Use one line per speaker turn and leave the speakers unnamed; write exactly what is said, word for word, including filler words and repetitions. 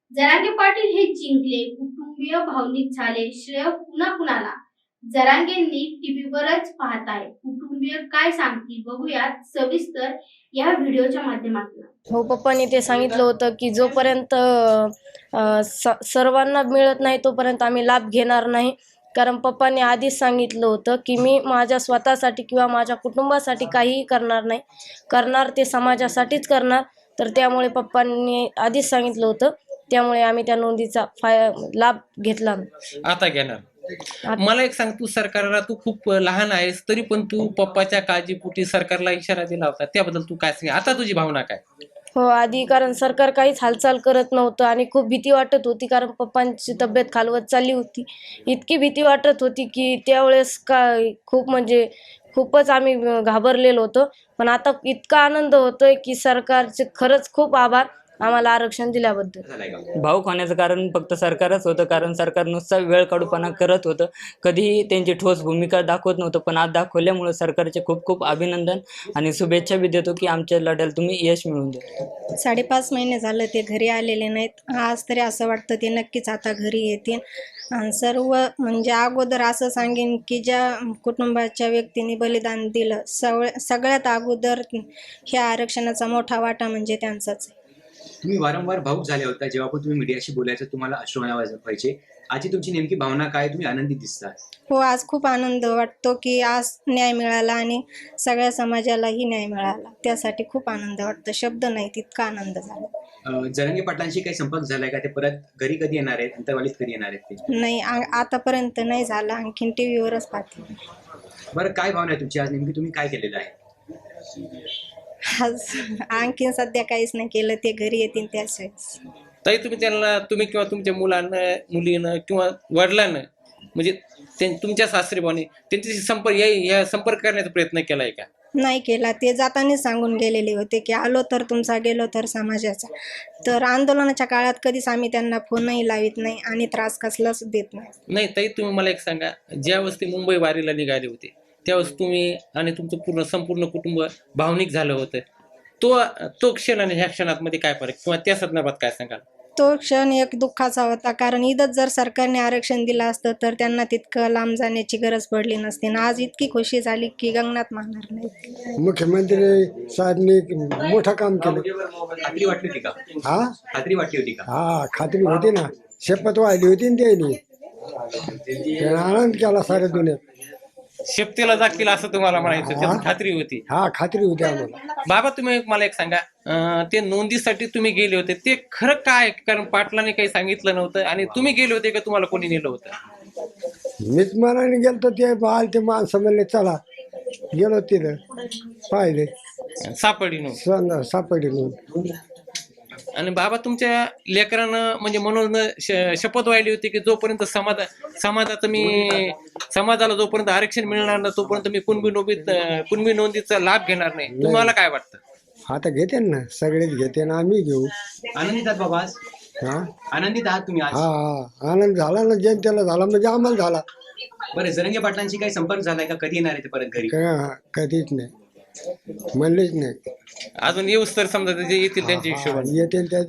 जरांगे पाटील हे जिंकले, कुटुंबीय भावनिक झाले, श्रेय पुन्हा कुणाला? जरांगेंनी टीव्हीवरच पाहताय, कुटुंबीय काय सांगतील बघूयात सविस्तर या व्हिडिओच्या माध्यमातून.
हो, पप्पांनी ते सांगितलं होतं की जोपर्यंत अ, स- सर्वांना मिळत नाही तोपर्यंत आम्ही लाभ घेणार नाही. कारण पप्पांनी आधीच सांगितलं होतं की मी माझ्या स्वतःसाठी किंवा माझ्या कुटुंबासाठी काहीही करणार नाही, करणार ते समाजासाठीच करणार. तर त्यामुळे पप्पांनी आधीच सांगितलं होतं, त्यामुळे आम्ही त्या नोंदीचा फाय लाभ घेतला.
आता घेणार. मला एक सांग, तू सरकारला तू खूप लहान आहेस तरी पण तू पप्पाच्या काळजीपोटी सरकारला इशारा दिला होता, त्याबद्दल तू काय सांग, आता तुझी भावना काय?
हो, आधी कारण सरकार काहीच हालचाल करत नव्हतं आणि खूप भीती वाटत होती, कारण पप्पांची तब्येत खालवत चालली होती. इतकी भीती वाटत होती की त्यावेळेस काय खूप म्हणजे खूपच आम्ही घाबरलेलो होतो. पण आता इतका आनंद होतोय की सरकारचे खरंच खूप आभार आम्हाला आरक्षण दिल्याबद्दल.
भाऊक होण्याचं कारण फक्त सरकारच होतं, कारण सरकार नुसता वेळ काढूपणा करत होतं, कधीही त्यांची ठोस भूमिका दाखवत नव्हतं. पण आज दाखवल्यामुळे सरकारचे खूप खूप अभिनंदन आणि शुभेच्छा बी देतो की आमच्या लढ्याला तुम्ही यश मिळवून द्या.
साडेपाच महिने झालं ते घरी आलेले नाहीत. आज तरी असं वाटतं ते नक्कीच आता घरी येतील. आणि सर्व म्हणजे अगोदर असं सांगेन की ज्या कुटुंबाच्या व्यक्तीने बलिदान दिलं, सवळ सगळ्यात अगोदर ह्या आरक्षणाचा मोठा वाटा म्हणजे त्यांचाच आहे.
तुम्ही वारंवार भाऊक झाले होता जेव्हा पण तुम्ही मीडियाशी बोलायचं, तुम्हाला अश्रू व्हायचे. आजची तुमची नेमकी भावना काय? तुम्ही आनंदी दिसता.
हो, आज खूप आनंद वाटतो की आज न्याय मिळाला आणि सगळ्या समाजालाही न्याय मिळाला. त्यासाठी खूप आनंद वाटतो, शब्द नाही तितका आनंद झाला.
अं, जरांगे पाटलांशी काही संपर्क झालाय का? ते परत घरी कधी येणार आहेत? अंतरवालीत कधी येणार आहेत ते?
नाही, आ- आतापर्यंत नाही झाला. आणखीन टी व्हीवरच पाहते.
बरं, काय भावना आहे तुमची आज? नेमकी तुम्ही काय केलेलं आहे?
आज आणखीन सध्या काहीच नाही केलं. ते घरी येतील त्याच वेळेस.
तरी तुम्ही त्यांना, तुम्ही किंवा तुमच्या मुलांना, मुलीनं किंवा वडिलांना, म्हणजे ते तुमच्या सासरीभावाने त्यांच्याशी संपर्क या या संपर्क करण्याचा प्रयत्न केलाय का?
नाही केला. ते जातानाच सांगून गेलेले होते की आलो तर तुमचा, गेलो तर समाजाचा. तर आंदोलनाच्या काळात कधीच आम्ही त्यांना फोनही लावित नाही आणि त्रास कसलाच देत नाही.
नाही, तरी तुम्ही मला एक सांगा, ज्यावेळेस ते मुंबई वारीला निघाले होते त्यावेळेस तुम्ही आणि तुमचं पूर्ण संपूर्ण कुटुंब भावनिक झालं होतं. तो तो क्षण आणि ह्या क्षणामध्ये काय फरक, किंवा त्या संदर्भात काय सांगाल?
तो क्षण एक दुःखाचा होता, कारण इथंच जर सरकारने आरक्षण दिलं असतं तर त्यांना तितकं लांब जाण्याची गरज पडली नसती. आणि आज इतकी खुशी झाली की गगनात मारणार नाही.
मुख्यमंत्री साहेबांनी मोठं काम केलं.
खात्री वाटली होती का?
हा
खात्री वाटली होती का?
हा खात्री होती ना, शपथ वाहिली होती ना त्यांनी. त्यानं आनंद केला साऱ्या दुनियेत.
शेपटीला जातील असं तुम्हाला म्हणायचं, त्याची खात्री होती.
हा खात्री होती आम्हाला.
बाबा, तुम्ही मला एक सांगा, अं, ते नोंदीसाठी तुम्ही गेले होते ते खरं काय? कारण पाटलाने काही सांगितलं नव्हतं आणि तुम्ही गेले होते का तुम्हाला कोणी नेलं होतं?
मीच मनाने गेलतो, ते बाल ते माणसं म्हणले चला, गेलो तिथं पाहिले
सापडी नव्हती.
सांगा सापडली म्हणून.
आणि बाबा, तुमच्या लेकरानं म्हणजे म्हणून श- शपथ वाहिली होती की जोपर्यंत समाज समाजाचं मी समाजाला जोपर्यंत आरक्षण मिळणार नाही तोपर्यंत मी कुणबी नोंदीत कुणबी नोंदीचा लाभ घेणार नाही. तुम्हाला काय वाटतं?
आता घेते ना, सगळेच घेते ना, आम्ही घेऊ.
आनंदित आहात बाबा आज?
हा
आनंदित आहात तुम्ही आज?
हा हा आनंद झाला ना, जनतेला झाला म्हणजे आम्हाला झाला.
बरं, जरांगे पाटलांशी काही संपर्क झालाय का? कधी येणार आहे ते परत घरी?
का- कधीच नाही म्हणलेच नाही.
अजून येऊस तर समजा ते येतील त्यांच्या हिशोबाने.
येतील त्या